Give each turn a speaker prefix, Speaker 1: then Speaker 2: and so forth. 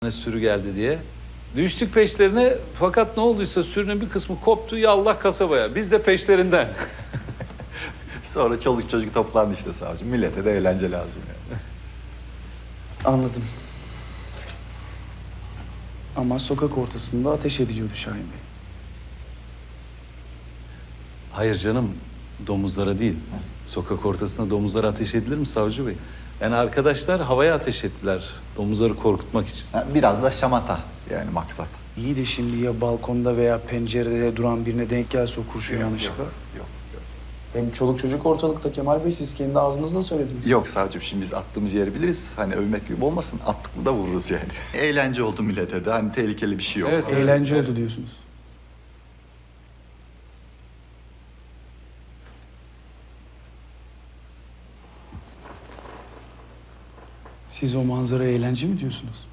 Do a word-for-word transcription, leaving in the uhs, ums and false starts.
Speaker 1: sürü geldi diye. Düştük peşlerine fakat ne olduysa sürünün bir kısmı koptu ya Allah kasabaya. Biz de peşlerinden.
Speaker 2: Sonra çoluk çocuk toplandı işte savcım. Millete de eğlence lazım yani.
Speaker 3: Anladım. Ama sokak ortasında ateş ediliyordu Şahin Bey.
Speaker 1: Hayır canım, domuzlara değil. Sokak ortasında domuzlara ateş edilir mi savcı bey? Yani arkadaşlar havaya ateş ettiler domuzları korkutmak için.
Speaker 2: Ha, biraz da şamata yani maksat.
Speaker 3: İyi de şimdi ya balkonda veya pencerede duran birine denk gelse o kurşun yanlışlıkla.
Speaker 2: Yok, yok, yok.
Speaker 3: Hem çoluk çocuk ortalıkta Kemal Bey, siz kendi ağzınızla söylediniz.
Speaker 2: Yok savcım, şimdi biz attığımız yeri biliriz. Hani övmek gibi olmasın, attık mı da vururuz yani. Eğlence oldu millete de, hani tehlikeli bir şey yok.
Speaker 1: Evet,
Speaker 3: Eğlence oldu diyorsunuz. Siz o manzara eğlence mi diyorsunuz?